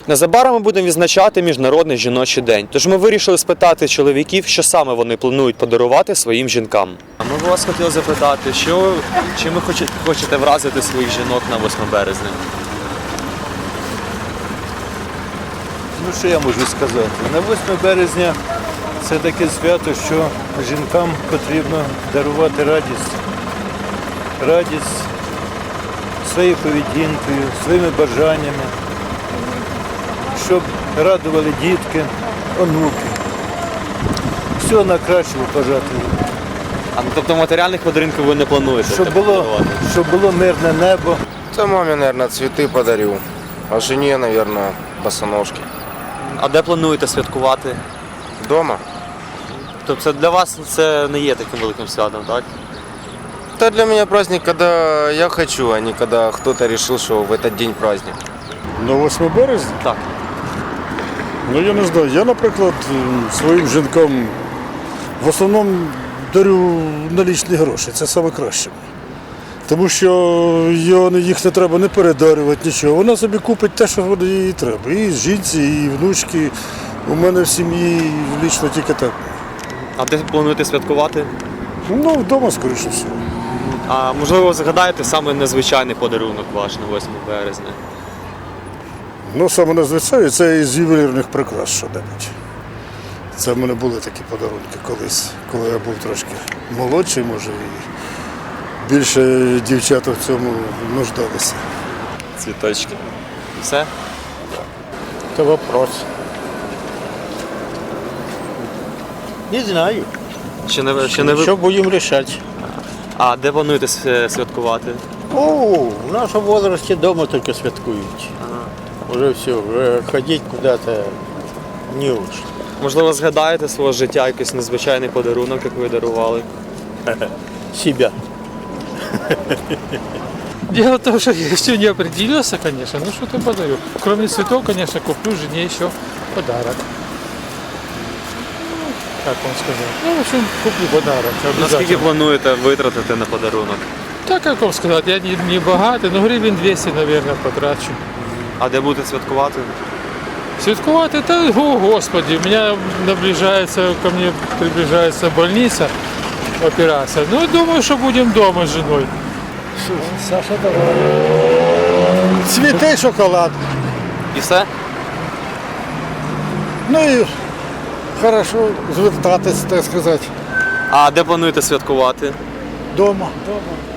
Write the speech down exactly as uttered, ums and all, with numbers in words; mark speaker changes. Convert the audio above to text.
Speaker 1: Незабаром ми будемо відзначати Міжнародний жіночий день, тож ми вирішили спитати чоловіків, що саме вони планують подарувати своїм жінкам. А ми б вас хотіли запитати, що, чим ви хочете, хочете вразити своїх жінок на восьме березня?
Speaker 2: Ну, що я можу сказати? На восьме березня це таке свято, що жінкам потрібно дарувати радість. Радість своєю поведінкою, своїми бажаннями, щоб радували дітки, онуки. Всього найкращого бажати.
Speaker 1: А ну, тобто матеріальних подарунків ви не плануєте?
Speaker 2: Щоб було, щоб було мирне небо.
Speaker 3: Да маме, наверное, цветы подарю, а жене, наверное, босоножки.
Speaker 1: А де плануєте святкувати?
Speaker 3: Дома?
Speaker 1: Тобто для вас це не є таким великим святом, так?
Speaker 3: Это для меня праздник, когда я хочу, а не когда кто-то решил, что в этот день праздник.
Speaker 4: На восьме березня?
Speaker 1: Так.
Speaker 4: Ну я не знаю. Я, наприклад, своїм жінкам в основному дарю налічні гроші. Це найкраще. Тому що його, їх не треба не передарювати, нічого. Вона собі купить те, що їй треба. І жінці, і внучки. У мене в сім'ї лічно тільки так.
Speaker 1: А де плануєте святкувати?
Speaker 4: Ну, вдома, скоріше всього.
Speaker 1: А можливо, згадаєте саме незвичайний подарунок ваш на восьме березня?
Speaker 4: Ну, саме надзвичайно, це із ювелірних прикрас що-небудь. Це в мене були такі подарунки колись, коли я був трошки молодший, може, і більше дівчата в цьому нуждалися.
Speaker 1: Цвіточки. Все?
Speaker 5: Это вопрос. Не знаю.
Speaker 1: Ще не, ще не ви...
Speaker 5: Что будем решать?
Speaker 1: А де плануєте свя- святкувати?
Speaker 5: О, в нашем возрасте дома только святкуют. Уже все, уже ходить куда-то не уж.
Speaker 1: Можливо, згадаєте свого життя якийсь незвичайний подарунок, як ви дарували?
Speaker 5: Себя.
Speaker 6: Дело в том, что я еще не определился, конечно, ну что-то подарю. Кроме цветов, конечно, куплю жене еще подарок. Ну, как вам сказать? Ну, в общем, куплю подарок.
Speaker 1: Наскільки
Speaker 6: Обязательно.
Speaker 1: плануєте витратити на подарунок?
Speaker 6: Так, как вам сказать, я не, не богатый, но гривен двести, наверное, потрачу.
Speaker 1: А де будете святкувати?
Speaker 6: Святкувати, это, о господи, у меня наближается, ко мне приближается больница, операция. Ну, думаю, что будем дома с женой.
Speaker 5: Саша, давай.
Speaker 4: Цвіти, шоколад.
Speaker 1: І все?
Speaker 4: Ну і хорошо звертатись, так сказати,
Speaker 1: А де плануєте святкувати?
Speaker 4: вдома.
Speaker 5: Дома.